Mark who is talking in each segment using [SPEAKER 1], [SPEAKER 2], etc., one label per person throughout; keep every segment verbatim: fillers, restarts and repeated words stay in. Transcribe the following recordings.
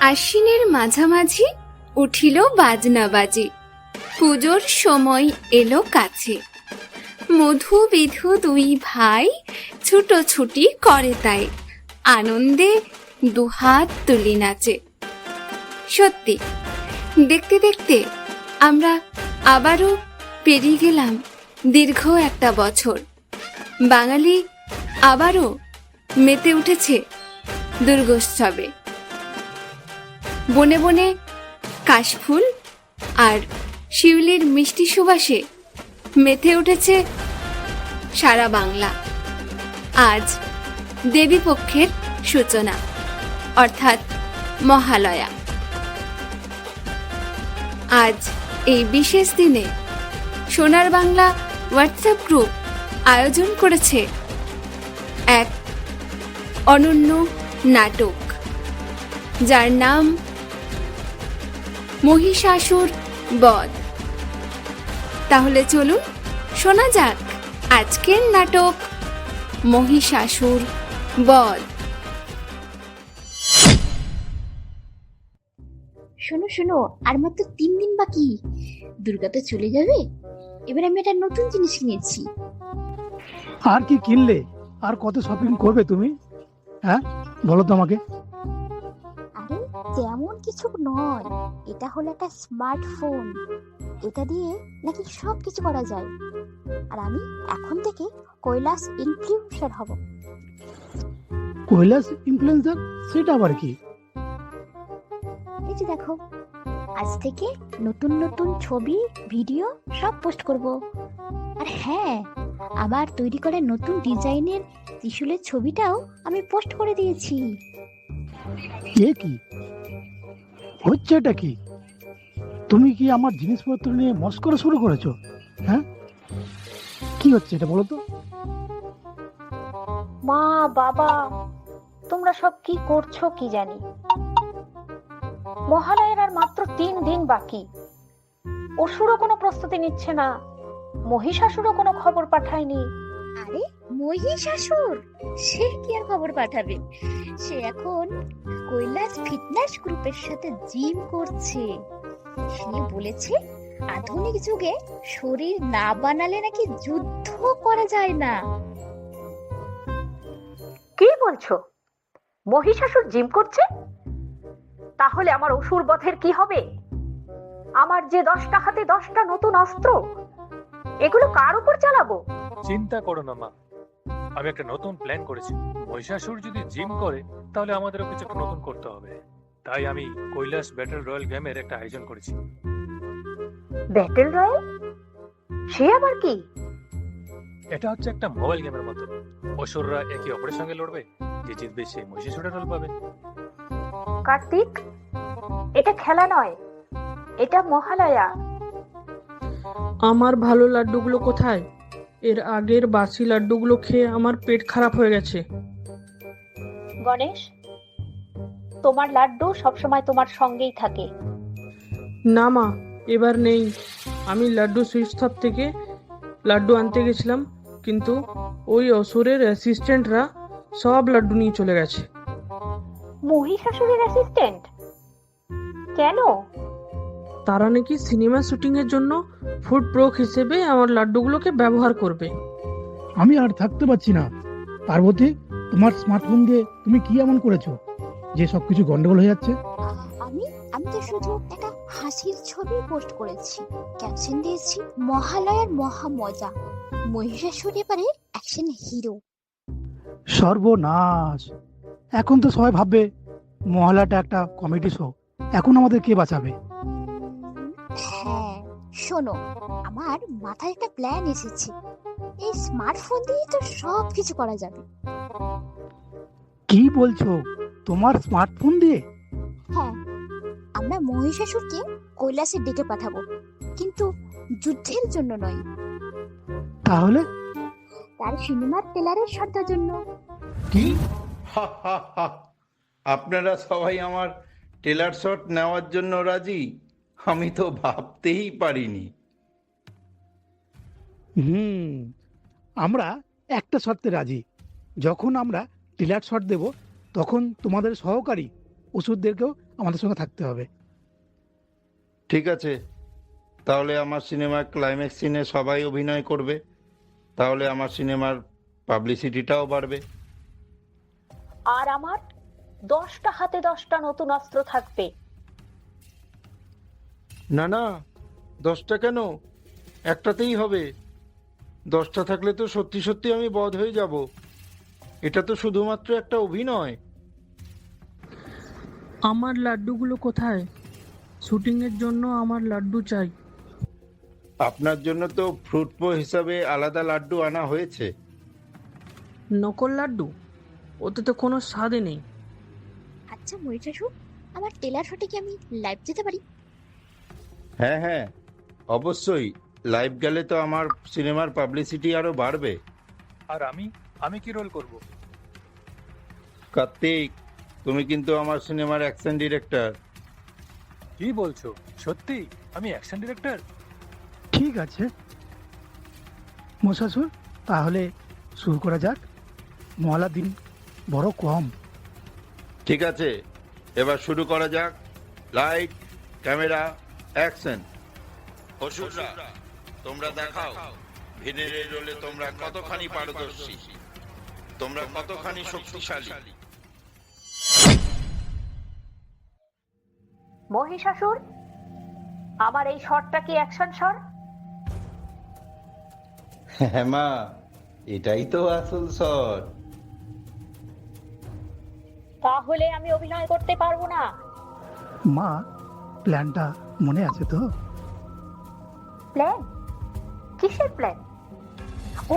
[SPEAKER 1] আশ্বিনের মাঝামাঝি উঠিল বাজনা বাজি, পুজোর সময় এলো কাছে। মধু বিধু দুই ভাই ছুটোছুটি করে তাই, আনন্দে দুহাত তুলি নাচে। সত্যি দেখতে দেখতে আমরা আবারও পেরিয়ে গেলাম দীর্ঘ একটা বছর। বাঙালি আবারও মেতে উঠেছে দুর্গোৎসবে। বনে বনে কাশফুল আর শিউলির মিষ্টি সুবাসে মেতে উঠেছে সারা বাংলা। আজ দেবীপক্ষের সূচনা, অর্থাৎ মহালয়া। আজ এই বিশেষ দিনে সোনার বাংলা হোয়াটসঅ্যাপ গ্রুপ আয়োজন করেছে এক অনন্য নাটক, যার নাম মহিষাসুর বধ। তাহলে চলুন শোনা যাক আজকের নাটক মহিষাসুর বধ।
[SPEAKER 2] শোনো শোনো, আর মাত্র তিন দিন বাকি, দুর্গা তো চলে যাবে। এবার আমি একটা নতুন জিনিস কিনেছি।
[SPEAKER 3] আর কি কিনলে? আর কত শপিং করবে তুমি? হ্যাঁ বলো তো আমাকে।
[SPEAKER 2] আরে তেমন কিছু নয়, এটা হলো একটা স্মার্টফোন। এটা দিয়ে নাকি সব কিছু করা যায়। আর আমি এখন থেকে কৈলাস ইনফ্লুয়েন্সার হব।
[SPEAKER 3] কৈলাস ইনফ্লুয়েন্সার? সেটা আবার কি?
[SPEAKER 2] এই যে দেখো, আজ থেকে নতুন নতুন ছবি ভিডিও সব পোস্ট করব। আর হ্যাঁ, আবার তৈরি করা নতুন ডিজাইনের ত্রিশূলের ছবিটাও আমি পোস্ট করে দিয়েছি।
[SPEAKER 3] এ কি হচ্ছে? এটা কি? তুমি কি আমার জিনিসপত্র নিয়ে মস্করা শুরু করেছো? হ্যাঁ কি হচ্ছে এটা বলো তো?
[SPEAKER 4] মা বাবা, তোমরা সব কি করছো কি জানি। মহালয়ার আর মাত্র তিন দিন বাকি। অসুরও কোনো প্রস্তুতি নিচ্ছে না, মহিষাসুরও কোনো খবর পাঠায়নি।
[SPEAKER 2] আরে মহিষাসুর সে কি আর খবর পাঠাবে? সে এখন কৈলাস ফিটনেস গ্রুপের সাথে জিম করছে। সে বলেছে আধুনিক যুগে শরীর না বানালে নাকি যুদ্ধ করা যায় না।
[SPEAKER 4] কি বলছো? মহিষাসুর জিম করছে? তাহলে আমার অসুর বধের কি হবে? আমার যে দশটা হাতে দশটা নতুন অস্ত্র, এগুলো কার উপর চালাবো?
[SPEAKER 5] চিন্তা করো না মা, আমি একটা নতুন প্ল্যান করেছি। মহিষাসুর যদি জিম করে তাহলে আমাদেরও কিছু একটা নতুন করতে হবে। তাই আমি কৈলাস ব্যাটল রয়্যাল গেমের একটা আয়োজন করেছি।
[SPEAKER 4] Battle royale? সে আবার কি?
[SPEAKER 5] এটা হচ্ছে একটা মোবাইল গেমের মতো। অসুররা একে অপরের সঙ্গে লড়বে, যে জিতবে সে মহিষাসুরের রোল পাবে।
[SPEAKER 4] কার্তিক, এটা খেলা নয়, এটা মহালয়া।
[SPEAKER 6] আমার ভালো লাড্ডুগুলো কোথায়? এর আগের বাসি লাড্ডুগুলো খেয়ে আমার পেট খারাপ হয়ে গেছে।
[SPEAKER 4] গণেশ, তোমার লাড্ডু সবসময় তোমার সঙ্গেই থাকে।
[SPEAKER 6] না মা, এবার নেই। আমি লাড্ডু সুইটস শপ থেকে লাড্ডু আনতে গেছিলাম, কিন্তু ওই অসুরের অ্যাসিস্ট্যান্টরা সব লাড্ডু নিয়ে চলে গেছে।
[SPEAKER 4] মহিষাসুরের অ্যাসিস্ট্যান্ট? কেন?
[SPEAKER 6] তারা নাকি সিনেমা শুটিং এর জন্য ফুড প্রোক হিসেবে আমার লাড্ডুগুলোকে ব্যবহার করবে।
[SPEAKER 3] আমি আর থাকতে পারছি না। পার্বতী, তোমার স্মার্টফোন দিয়ে তুমি কি এমন করেছো যে সবকিছু গন্ডগোল হয়ে যাচ্ছে?
[SPEAKER 2] আমি আমি তো শুধু একটা হাসির ছবি পোস্ট করেছি, ক্যাপশন দিয়েছি মহালয়ার মহা মজা, মহিষাসুর এবারে অ্যাকশন হিরো।
[SPEAKER 3] সর্বনাশ! এখন তো সবাই ভাববে মহালয়াটা একটা কমেডি শো। এখন আমাদের কে বাঁচাবে?
[SPEAKER 2] হ্যাঁ শোনো, আমার মাথায় একটা প্ল্যান এসেছে। এই স্মার্টফোন দিয়ে তো সব কিছু করা যাবে।
[SPEAKER 3] কি বলছো? তোমার স্মার্টফোন দিয়ে?
[SPEAKER 2] হ্যাঁ, আমরা মহিষাসুরকে কৈলাসে ডেকে পাঠাবো, কিন্তু যুদ্ধের জন্য নয়।
[SPEAKER 3] তাহলে?
[SPEAKER 2] তার সিনেমার ট্রেলারের শর্তের জন্য।
[SPEAKER 7] কি? হা হা হা! আপনারা সবাই আমার ট্রেলার শট নেওয়ার জন্য রাজি? আমি তো ভাবতেই পারিনি।
[SPEAKER 3] হুম আমরা একটা শর্তে রাজি। যখন আমরা ট্রেলার শট দেব তখন তোমাদের সহকারী ওষুধদেরকেও আমাদের সঙ্গে থাকতে হবে।
[SPEAKER 7] ঠিক আছে, তাহলে আমার সিনেমার ক্লাইম্যাক্স সিনে সবাই অভিনয় করবে, তাহলে আমার সিনেমার পাবলিসিটিটাও বাড়বে।
[SPEAKER 4] আর আমার দশটা হাতে দশটা নতুন অস্ত্র থাকবে।
[SPEAKER 7] না না, দশটা কেন, একটাতেই হবে। দশটা থাকলে তো সত্যি সত্যি আমি বধ হয়ে যাব। এটা তো শুধুমাত্র একটা অভিনয়।
[SPEAKER 6] আমার লাড্ডুগুলো কোথায়? শুটিংয়ের জন্য আমার লাড্ডু চাই।
[SPEAKER 7] আপনার জন্য তো ফ্রুট পো হিসাবে আলাদা লাড্ডু আনা হয়েছে।
[SPEAKER 6] নকল লাড্ডু? ওতে তো কোনো স্বাদই নেই।
[SPEAKER 2] আচ্ছা মহিষাসুর, আমার টেলার শটে কি আমি লাইভ যেতে পারি?
[SPEAKER 7] হ্যাঁ হ্যাঁ, অবশ্যই। লাইভ গেলে তো আমার সিনেমার পাবলিসিটি আরো বাড়বে।
[SPEAKER 5] আর আমি আমি কি রোল করব?
[SPEAKER 7] কার্তিক, তুমি কিন্তু আমার সিনেমার অ্যাকশন ডিরেক্টর।
[SPEAKER 5] কি বলছো? সত্যি আমি অ্যাকশন ডিরেক্টর?
[SPEAKER 3] ঠিক আছে মশাসুর, তাহলে শুরু করা যাক। মহলার দিন বড় কম।
[SPEAKER 7] ঠিক আছে, এবার শুরু করা যাক। Light, camera, action. অসুররা, তোমরা দেখাও ভিলেনের রোলে তোমরা কতখানি পারদর্শী, তোমরা কতখানি শক্তিশালী।
[SPEAKER 4] মহিষাসুর, আমার এই শটটা কি অ্যাকশন শট?
[SPEAKER 7] হ্যাঁ মা, এটাই তো আসল শট।
[SPEAKER 4] তাহলে আমি অভিনয় করতে পারবো না।
[SPEAKER 3] মা, প্ল্যানটা মনে আছে তো?
[SPEAKER 4] প্ল্যান? কিসের প্ল্যান? ও,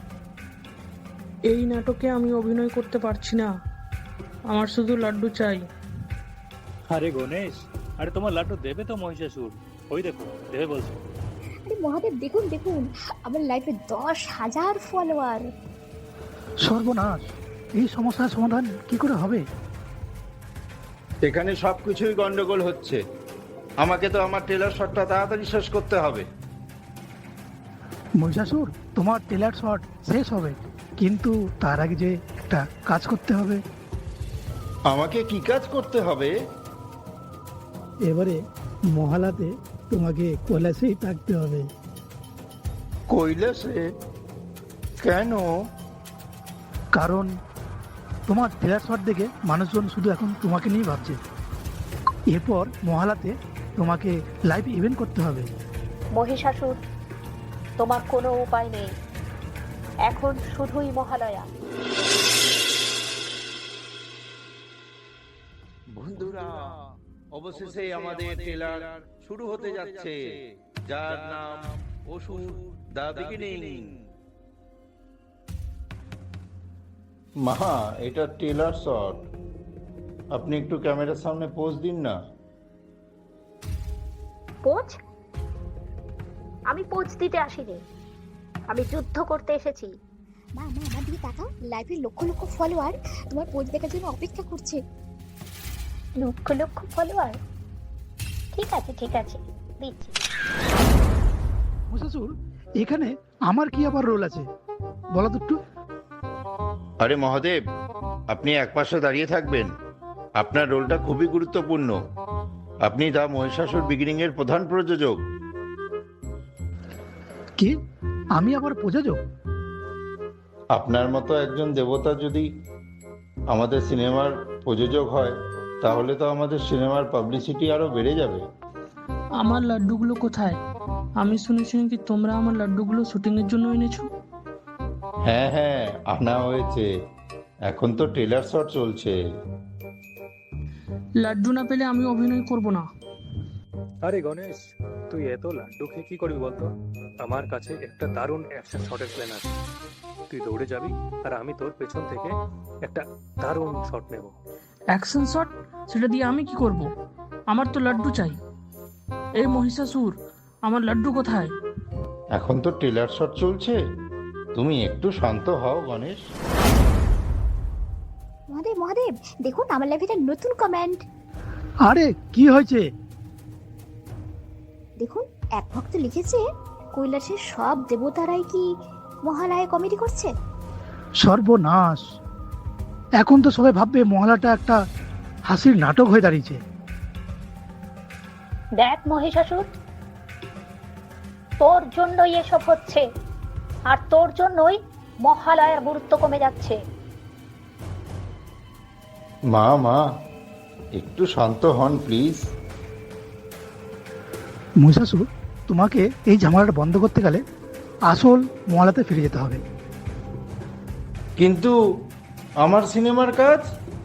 [SPEAKER 6] এই নাটকে আমি অভিনয় করতে পারছি না। আমার শুধু লাড্ডু চাই।
[SPEAKER 5] আরে গণেশ, আরে তোমার লাড্ডু দেবে তো মহিষাসুর? ওই দেখো দেবে বলছো।
[SPEAKER 2] আরে মহাদেব, দেখুন দেখুন, আমার লাইফে দশ হাজার ফলোয়ার।
[SPEAKER 3] সর্বনাশ, এই সমস্যার সমাধান কি করে হবে?
[SPEAKER 7] এখানে সবকিছুই গন্ডগোল হচ্ছে। আমাকে তো আমার ট্রেলার শটটা তাড়াতাড়ি শেষ করতে হবে।
[SPEAKER 3] মহিষাসুর, তোমার টেলার শট শেষ হবে, কিন্তু তার আগে যে একটা কাজ করতে হবে।
[SPEAKER 7] আমাকে কি কাজ করতে হবে?
[SPEAKER 3] এবারে মহালাতে তোমাকে কৈলাসেই থাকতে হবে।
[SPEAKER 7] কৈলাসে? কেন?
[SPEAKER 3] কারণ তোমার টেলার শট দেখে মানুষজন শুধু এখন তোমাকে নিয়ে ভাবছে। এরপর মহালাতে তোমাকে লাইভ ইভেন্ট করতে হবে।
[SPEAKER 4] মহিষাসুর, তোমার কোনো উপায় নেই। এখন শুধুই মহালয়া।
[SPEAKER 7] বন্ধুরা, অবশেষে আমাদের ট্রেলার শুরু হতে যাচ্ছে, যার নাম অসুর দ্য বিগিনিং। মা, এটা ট্রেলার শট। আপনি একটু ক্যামেরার সামনে পোজ দিন না।
[SPEAKER 4] পোজ? আমি পোজ দিতে আসিনি, আমি যুদ্ধ করতে এসেছি।
[SPEAKER 2] মা মা, আমার দিকে তাকাও, লাইভে লক্ষ লক্ষ ফলোয়ার তোমার পোজ দেখার জন্য অপেক্ষা করছে।
[SPEAKER 4] লক্ষ লক্ষ ফলোয়ার? ঠিক আছে ঠিক আছে, দিচ্ছি।
[SPEAKER 3] মহিষাসুর, এখানে আমার কি আবার রোল আছে বলো তো একটু?
[SPEAKER 7] আরে মহাদেব, আপনি একপাশে দাঁড়িয়ে থাকবেন। আপনার রোলটা খুবই গুরুত্বপূর্ণ। আপনি দ্য মহিষাসুর বিগিনিং এর প্রধান প্রযোজক।
[SPEAKER 3] কি, আমি আবার প্রযোজক?
[SPEAKER 7] আপনার মতো একজন দেবতা যদি আমাদের সিনেমার প্রযোজক হয়, তাহলে তো আমাদের সিনেমার পাবলিসিটি আরো বেড়ে যাবে।
[SPEAKER 6] আমার লাড্ডুগুলো কোথায়? আমি শুনেছি নাকি তোমরা আমার লাড্ডুগুলো শুটিংয়ের জন্য এনেছো।
[SPEAKER 7] হ্যাঁ হ্যাঁ, আনা হয়েছে। এখন তো ট্রেলার শট চলছে।
[SPEAKER 6] লাড্ডু না পেলে আমি অভিনয় করব না।
[SPEAKER 5] আরে গণেশ, তুই এত লাড্ডু খেয়ে কি করবি বলতো? আমার কাছে একটা দারুণ অ্যাকশন শটের প্ল্যান আছে। তুই দৌড়ে যাবি আর আমি তোর পেছন থেকে একটা দারুণ শট নেব।
[SPEAKER 6] Action shot? সেটা দিয়ে আমি কি করব? আমার তো লাড্ডু চাই। এই মহিষাসুর, আমার লাড্ডু কোথায়?
[SPEAKER 7] এখন তো ট্রেলার শট চলছে, তুমি একটু শান্ত হও গণেশ।
[SPEAKER 2] মহাদেব মহাদেব, দেখুন আমার লাইভে একটা নতুন কমেন্ট।
[SPEAKER 3] আরে কি হয়েছে?
[SPEAKER 2] দেখুন, এক ভক্ত লিখেছে, কৈলাসের সব দেবতারাই কি মহালয়ায় কমেডি করছে?
[SPEAKER 3] সর্বনাশ, এখন তো সবাই ভাববে মহলাটা একটা হাসির নাটক হয়ে দাঁড়িয়েছে।
[SPEAKER 4] দেখ মহিষাসুর, তোর জন্যই এসব হচ্ছে, আর তোর জন্যই মহালয়ার গুরুত্ব কমে যাচ্ছে।
[SPEAKER 7] মা মা একটু শান্ত হন প্লিজ।
[SPEAKER 3] মহিষাসুর, তোমাকে এই ঝামেলাটা বন্ধ করতে গেলে আসল মহলাতে ফিরে যেতে হবে।
[SPEAKER 7] কিন্তু আমার সিনেমার কাজ?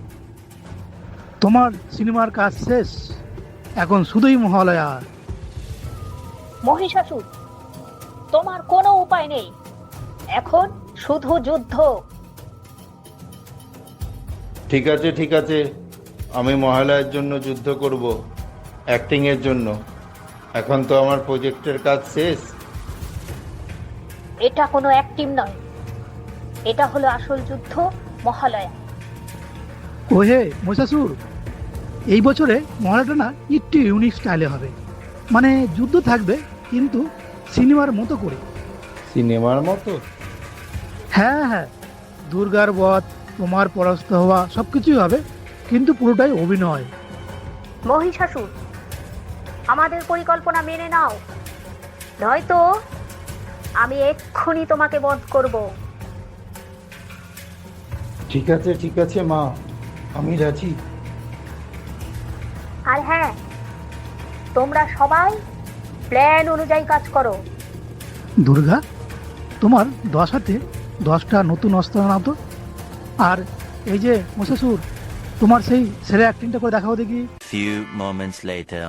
[SPEAKER 3] তোমার সিনেমার কাজ শেষ, এখন শুধুই মহালয়া।
[SPEAKER 4] মহিষাসুর, তোমার কোনো উপায় নেই, এখন শুধু যুদ্ধ।
[SPEAKER 7] ঠিক আছে ঠিক আছে, আমি মহালয়ার জন্য যুদ্ধ করব, অ্যাক্টিং এর জন্য। এখন তো আমার প্রজেক্টের কাজ শেষ।
[SPEAKER 4] এটা কোনো অ্যাক্টিভ নয়, এটা হলো আসল যুদ্ধ, মহালয়া।
[SPEAKER 3] ওহে মহিষাসুর, এই বছরে মহালয়াটা না একটু ইউনিক স্টাইলে হবে, মানে যুদ্ধ থাকবে কিন্তু সিনেমার মতো করে।
[SPEAKER 7] সিনেমার মতো?
[SPEAKER 3] হ্যাঁ হ্যাঁ, দুর্গার বধ, তোমার পরাস্ত হওয়া, সব কিছুই হবে, কিন্তু পুরোটাই অভিনয়।
[SPEAKER 4] মহিষাসুর, আমাদের পরিকল্পনা মেনে নাও, নয়তো আমি এক্ষুনি তোমাকে বধ করব।
[SPEAKER 7] ঠিক আছে ঠিক আছে মা, আমি রাজি।
[SPEAKER 4] আর হ্যাঁ, তোমরা সবাই প্ল্যান অনুযায়ী কাজ করো।
[SPEAKER 3] দুর্গা, তোমার দশ হাতে দশটা নতুন অস্ত্র নাও তো। আর এই যে মহিষাসুর, তোমার সেই সেরা অ্যাক্টিংটা করে দেখাও দেখি।
[SPEAKER 8] Few moments later.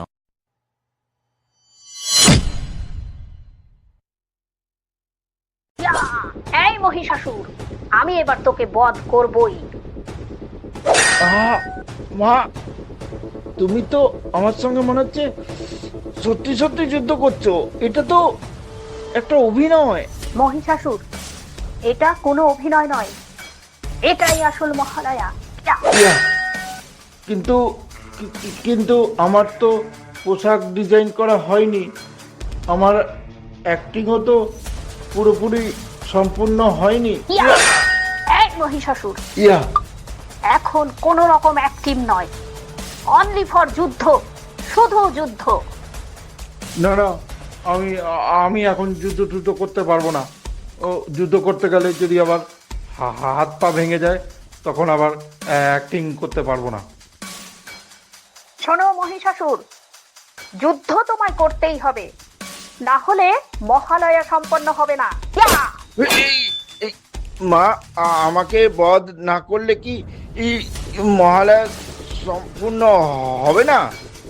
[SPEAKER 4] ইয়া! এই মহিষাসুর, আমি এবার তোকে বধ করবই।
[SPEAKER 7] আহা, মা, তুমি তো আমার সঙ্গে মনে হচ্ছে সত্যি সত্যি যুদ্ধ করছো। এটা তো একটা অভিনয়।
[SPEAKER 4] মহিষাসুর, এটা কোনো অভিনয় নয়, এটাই আসল মহালয়া। ইয়া!
[SPEAKER 7] ইয়া, কিন্তু কি- কি- কিন্তু আমার তো পোশাক ডিজাইন করা হয়নি, আমার অ্যাক্টিংও তো পুরোপুরি সম্পূর্ণ হয়নি।
[SPEAKER 4] ইয়া! এই মহিষাসুর,
[SPEAKER 7] ইয়া,
[SPEAKER 4] এখন কোনো রকম অ্যাক্টিভ নয়, অনলি ফর যুদ্ধ, শুধু যুদ্ধ।
[SPEAKER 7] না না, আমি আ- আমি এখন যুদ্ধ টুদ্ধ করতে পারবো না। ও যুদ্ধ করতে গেলে যদি আবার হা- হা- হাত পা ভেঙে যায়, তখন আবার অ্যাক্টিং করতে পারবো না।
[SPEAKER 4] শোনো মহিষাসুর, যুদ্ধ তোমায় করতেই হবে, না হলে মহালয়া সম্পন্ন হবে না। ইয়া!
[SPEAKER 7] এই- এই, মা, আ- আমাকে বধ না করলে কি এই মহালয়া সম্পূর্ণ হবে না?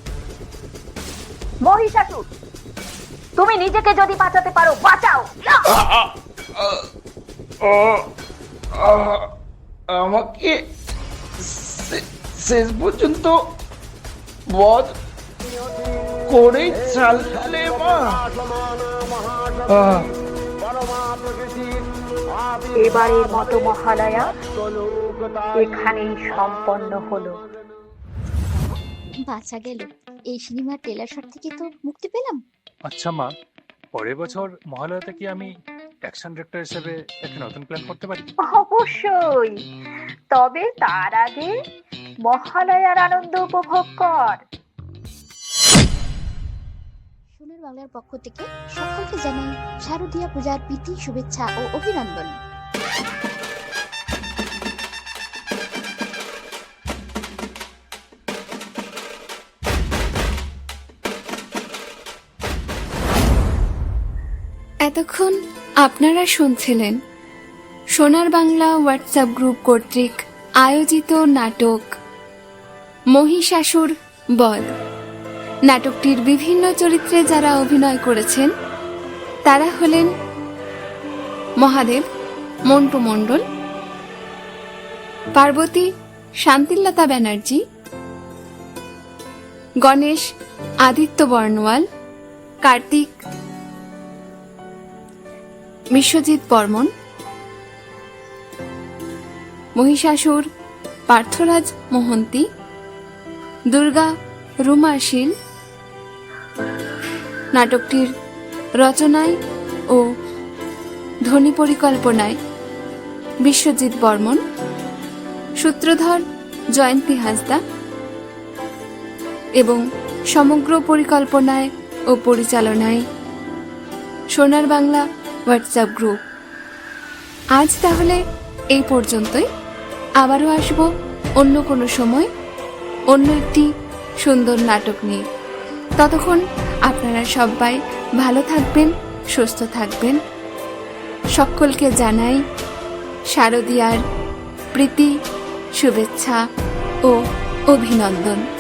[SPEAKER 4] মহিষাসুর, তুমি নিজেকে যদি বাঁচাতে পারো বাঁচাও। ইয়া!
[SPEAKER 7] আ- আ- আ- আ- আ- আমাকে শে- শেষ পর্যন্ত বধ করে চাললে মা। আহ,
[SPEAKER 4] এবারের মতো মহালয়া এখানেই সম্পন্ন হলো।
[SPEAKER 2] বাঁচা গেল, এই সিনেমার ট্রেলার শট থেকে তো মুক্তি পেলাম।
[SPEAKER 5] আচ্ছা মা, পরের বছর মহালয়াতে কি আমি অ্যাকশন ডিরেক্টর হিসেবে একটা নতুন প্ল্যান করতে পারি?
[SPEAKER 4] অবশ্যই, তবে তার আগে মহালয়ার আনন্দ উপভোগ কর।
[SPEAKER 2] সোনার বাংলার পক্ষ থেকে সকলকে জানাই শারদীয়া পূজার প্রীতি শুভেচ্ছা ও অভিনন্দন।
[SPEAKER 1] এতক্ষণ আপনারা শুনছিলেন সোনার বাংলা হোয়াটসঅ্যাপ গ্রুপ কর্তৃক আয়োজিত নাটক মহিষাসুর বধ। নাটকটির বিভিন্ন চরিত্রে যারা অভিনয় করেছেন তারা হলেন মহাদেব মন্টু মণ্ডল, পার্বতী শান্তিলতা ব্যানার্জি, গণেশ আদিত্য বর্ণওয়াল, কার্তিক বিশ্বজিৎ বর্মন, মহিষাসুর পার্থরাজ মোহন্তি, দুর্গা রুমা শীল। নাটকটির রচনায় ও ধ্বনি পরিকল্পনায় বিশ্বজিৎ বর্মন, সূত্রধর জয়ন্তী হাসদা এবং সমগ্র পরিকল্পনায় ও পরিচালনায় সোনার বাংলা হোয়াটসঅ্যাপ গ্রুপ। আজ তাহলে এই পর্যন্তই। আবারও আসবো অন্য কোনো সময় অন্য একটি সুন্দর নাটক নিয়ে। ততক্ষণ আপনারা সবাই ভালো থাকবেন, সুস্থ থাকবেন। সকলকে জানাই শারদীয়ার প্রীতি, শুভেচ্ছা ও অভিনন্দন।